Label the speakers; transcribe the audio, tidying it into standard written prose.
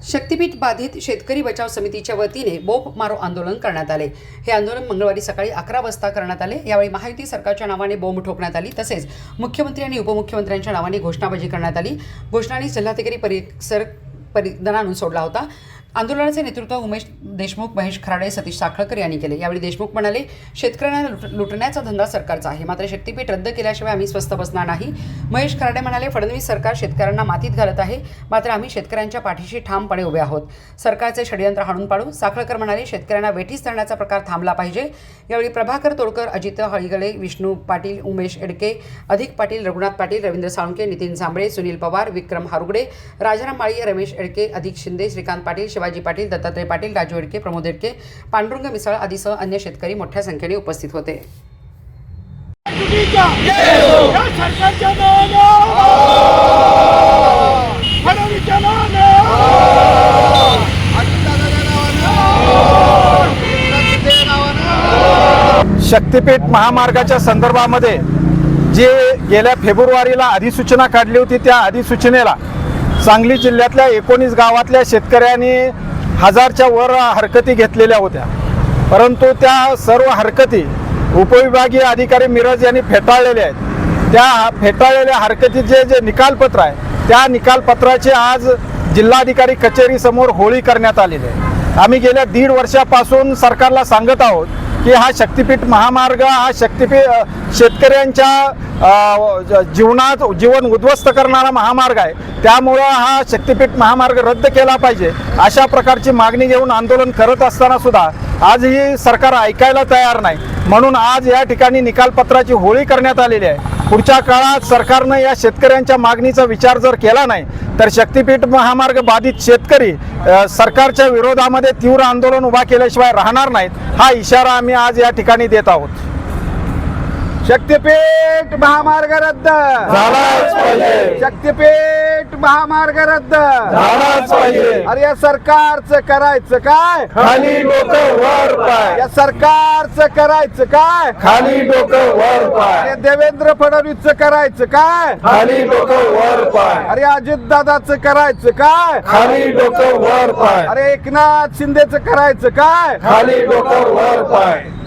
Speaker 1: शक्तीपीठ बाधित शेतकरी बचाव समितीच्या वतीने बोंब मारो आंदोलन करण्यात आले। हे आंदोलन मंगळवारी सकाळी 11 वाजता करण्यात आले। यावेळी महायुती सरकारच्या नावाने बोंब ठोकण्यात आली, तसेच मुख्यमंत्री आणि उपमुख्यमंत्र्यांच्या नावाने घोषणाबाजी करण्यात आली। घोषणाने जिल्हाधिकारी परिसर दणाणून सोडला होता। आंदोलनाचे नेतृत्व उमेश देशमुख, महेश खराडे, सतीश साखळकर यांनी केले। यावेळी देशमुख म्हणाले, शेतकऱ्यांना लुटण्याचा धंदा सरकारचा आहे, मात्र शक्तीपीठ रद्द केल्याशिवाय आम्ही स्वस्थ बसणार नाही। महेश खराडे म्हणाले, फडणवीस सरकार शेतकऱ्यांना मातीत घालत आहे, मात्र आम्ही शेतकऱ्यांच्या पाठीशी ठामपणे उभे आहोत। सरकारचे षडयंत्र हाणून पाडू। साखळकर म्हणाले, शेतकऱ्यांना वेठीस धरण्याचा प्रकार थांबला पाहिजे। यावेळी प्रभाकर तोडकर, अजित हळीगळे, विष्णू पाटील, उमेश एडके, अधिक पाटील, रघुनाथ पाटील, रवींद्र साळुंके, नितीन जांभळे, सुनील पवार, विक्रम हारुगडे, राजाराम माळी, रमेश एडके, अधिक शिंदे, श्रीकांत पाटील, शिवाजी पाटील, दत्तात्रय पाटील, राजू एडके, प्रमोद एडके, पांडुरंग मिसाळ आदीसह अन्य शेतकरी मोठ्या संख्येने उपस्थित होते।
Speaker 2: शक्तीपीठ महामार्गाच्या संदर्भामध्ये जे गेल्या फेब्रुवारीला अधिसूचना काढली होती, त्या अधिसूचनेला सांगली जिल्ह्यातल्या 19 गावातल्या शेतकऱ्यांनी 1000च्या वर हरकती घेतलेल्या होत्या, परंतु त्या सर्व हरकती उपविभागीय अधिकारी मिरज यांनी फेटाळलेल्या आहेत। त्या फेटाळलेल्या हरकतीचे जे निकालपत्र आहे, त्या निकालपत्राचे आज जिल्हाधिकारी कचेरीसमोर होळी करण्यात आलेली आहे। आम्ही गेल्या 1.5 वर्षापासून सरकारला सांगत आहोत की हा शक्तीपीठ महामार्ग हा शेतकऱ्यांच्या जीवन उद्ध्वस्त करणारा महामार्ग आहे, त्यामुळं हा शक्तीपीठ महामार्ग रद्द केला पाहिजे अशा प्रकारची मागणी घेऊन आंदोलन करत असताना सुद्धा आजही सरकार ऐकायला तयार नाही, म्हणून आज या ठिकाणी निकालपत्राची होळी करण्यात आलेली आहे। पुढच्या काळात सरकारनं या शेतकऱ्यांच्या मागणीचा विचार जर केला नाही तर शक्तीपीठ महामार्ग बाधित शेतकरी सरकारच्या विरोधामध्ये तीव्र आंदोलन उभा केल्याशिवाय राहणार नाहीत, हा इशारा आम्ही आज या ठिकाणी देत आहोत।
Speaker 3: शक्तीपीठ महामार्ग रद्द
Speaker 2: झालाच पाहिजे।
Speaker 3: शक्तीपीठ महामार्ग रद्द
Speaker 2: झालाच पाहिजे।
Speaker 3: अरे या सरकारचं करायचं काय?
Speaker 2: खाली डोकं वर पाय।
Speaker 3: या सरकारचं करायचं काय?
Speaker 2: खाली डोकं वर पाय।
Speaker 3: अरे देवेंद्र फडणवीसचं करायचं काय?
Speaker 2: खाली डोकं वर पाय।
Speaker 3: अरे अजितदादाचं करायचं काय?
Speaker 2: खाली डोकं वर पाय।
Speaker 3: अरे एकनाथ शिंदेचं करायचं काय?
Speaker 2: खाली डोकं वर पाय।